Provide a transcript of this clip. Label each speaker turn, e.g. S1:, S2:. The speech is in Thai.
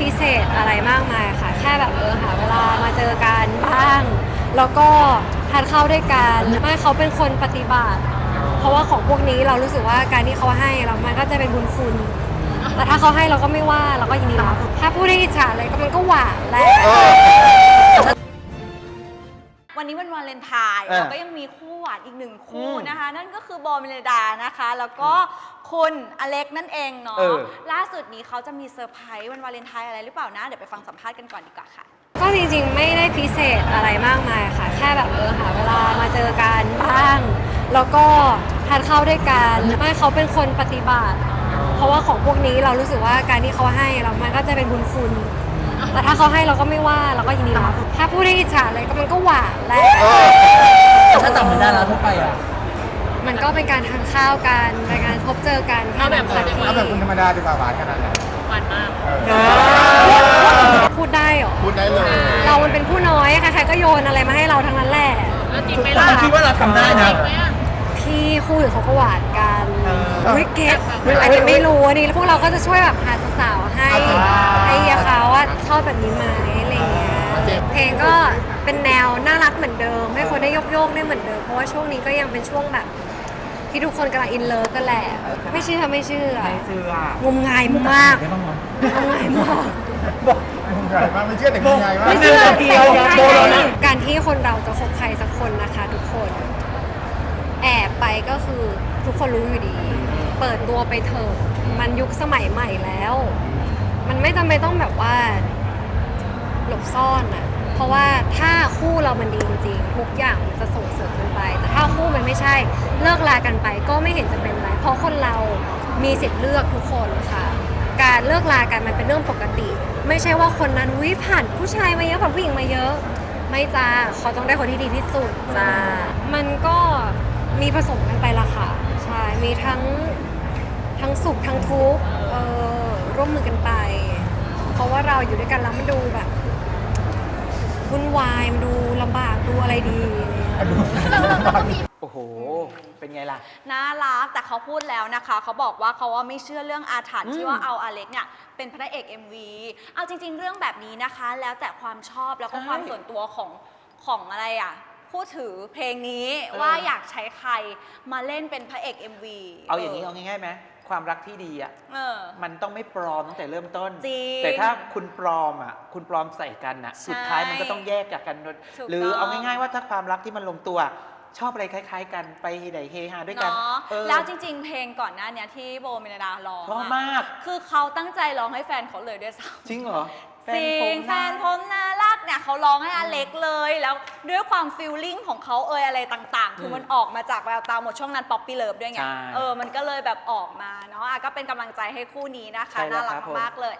S1: พิเศษอะไรมากมายค่ะแค่แบบหาเวลามาเจอกันบ้างแล้วก็ทานข้าวด้วยกันไม่เขาเป็นคนปฏิบัติเพราะว่าของพวกนี้เรารู้สึกว่าการที่เขาให้เรามันก็จะเป็นบุญคุณแต่ถ้าเขาให้เราก็ไม่ว่าเราก็ยินดีรับถ้าพูดให้อิจฉาเลยก็มันก็หวานแหละ
S2: วันนี้วันวาเลนไทน์เราก็ยังมีคู่หวานอีกหนึ่งคู่นะคะนั่นก็คือโบเมลดานะคะแล้วก็คุณอเล็กนั่นเองเนาะล่าสุดนี้เขาจะมีเซอร์ไพรส์วันวาเลนไทน์อะไรหรือเปล่านะเดี๋ยวไปฟังสัมภาษณ์กันก่อนดีกว่าค่ะ
S1: ก็จริงๆไม่ได้พิเศษอะไรมากมายค่ะแค่แบบหาเวลามาเจอกันบ้างแล้วก็ทานข้าวด้วยกันไม่เขาเป็นคนปฏิบัติเพราะว่าของพวกนี้เรารู้สึกว่าการที่เขาให้เรามันก็จะเป็นบุญคุณแต่ถ้าเขาให้เราก็ไม่ว่าเราก็ยินดีรับถ้าพูดให้อิจฉาเลยก็มันก็หวานแหละ
S3: ถ้าจำไม่ได้แล้วทั่วไปอ่ะ
S1: มันก็เป็นการทานข้าวกันเป็นการพบเจอกัน
S4: เอาแบบคุณธรรมดาดีกว่าหวานขนาดไหน
S2: หวานมาก
S1: พูดได้หรอ
S4: พูดได้เลย
S1: เรามันเป็นผู้น้อยใครๆก็โยนอะไรมาให้เราทั้งนั้นแหละ
S2: แล้วจริงไหมล่ะ
S3: คิดว่าเราทำได้นะ
S1: พี่คู่อื่นเขาก็หวานกันวิกเก็ตอาจจะไม่รู้นี่พวกเราก็จะช่วยแบบหาสาวๆให้เฮียเขาว่าชอบแบบนี้ไหมอะไรเงี้ยเพลงก็เป็นแนวน่ารักเหมือนเดิมให้คนได้โยกได้เหมือนเดิมเพราะว่าช่วงนี้ก็ยังเป็นช่วงแบบที่ทุกคนกำลังอินเลิฟกันแหละไม่เชื่องมงายมากงมงายมาก
S4: ไม่เชื่อแต่งงานว่า
S1: ไม่เชื่อการที่คนเราจะคบใครสักคนนะคะทุกคนแอบไปก็คือทุกคนรู้อยู่ดีเปิดตัวไปเถอะมันยุคสมัยใหม่แล้วมันไม่จำเป็นต้องแบบว่าหลบซ่อนอะเพราะว่าถ้าคู่เรามันดีจริงๆทุกอย่างมันจะส่งเสริมกันไปแต่ถ้าคู่มันไม่ใช่เลิกลากันไปก็ไม่เห็นจะเป็นไรเพราะคนเรามีสิทธิ์เลือกทุกคนค่ะการเลิกลากันมันเป็นเรื่องปกติไม่ใช่ว่าคนนั้นผ่านผู้ชายมาเยอะผ่านผู้หญิงมาเยอะไม่จ้าเขาต้องได้คนที่ดีที่สุดจ้ามันก็มีผสมกันไปละค่ะใช่มีทั้งสุขทั้งทุกข์ร่วมมือกันไปเพราะว่าเราอยู่ด้วยกันแล้วมันดูแบบวุ่นวายมันดูลำบากดูอะไรดี
S3: โอ้โหเป็นไงล่ะ
S2: น่ารักแต่เขาพูดแล้วนะคะเขาบอกว่าเขาไม่เชื่อเรื่องอาถรรพ์ที่ว่าเอาอเล็กเนี่ยเป็นพระเอก MV เอาจริงๆเรื่องแบบนี้นะคะแล้วแต่ความชอบแล้วก็ความส่วนตัวของอะไรอ่ะผู้ถือเพลงนี้ว่าอยากใช้ใครมาเล่นเป็นพระเอก MV
S3: เอาอย่างนี้เอาง่ายๆไหมความรักที่ดีอ่ะมันต้องไม่ปลอมตั้งแต่เริ่มต้น
S2: แต่
S3: ถ้าคุณปลอมอ่ะคุณปลอมใส่กันอ่ะสุดท้ายมันก็ต้องแยกจากกันหรือเอาง่ายๆว่าถ้าความรักที่มันลงตัวชอบอะไรคล้ายๆกันไปไหนเฮฮาด้วยกัน
S2: แล้วจริงๆเพลงก่อนหน้านี้ที่โบเมลดาร้อง
S3: ชอบมาก
S2: คือเขาตั้งใจร้องให้แฟนเขาเลยด้วยซ้
S3: ำจริงเหรอ
S2: แฟนผมน่ารักเนี่ยเขาร้องให้อเล็กเลยแล้วด้วยความฟีลลิ่งของเขาอะไรต่างๆคือมันออกมาจากแววตาหมดช่วงนั้นป๊อปปี้เลิฟด้วยไงมันก็เลยแบบออกมาเนาะก็เป็นกำลังใจให้คู่นี้นะคะน่ารักมากเลย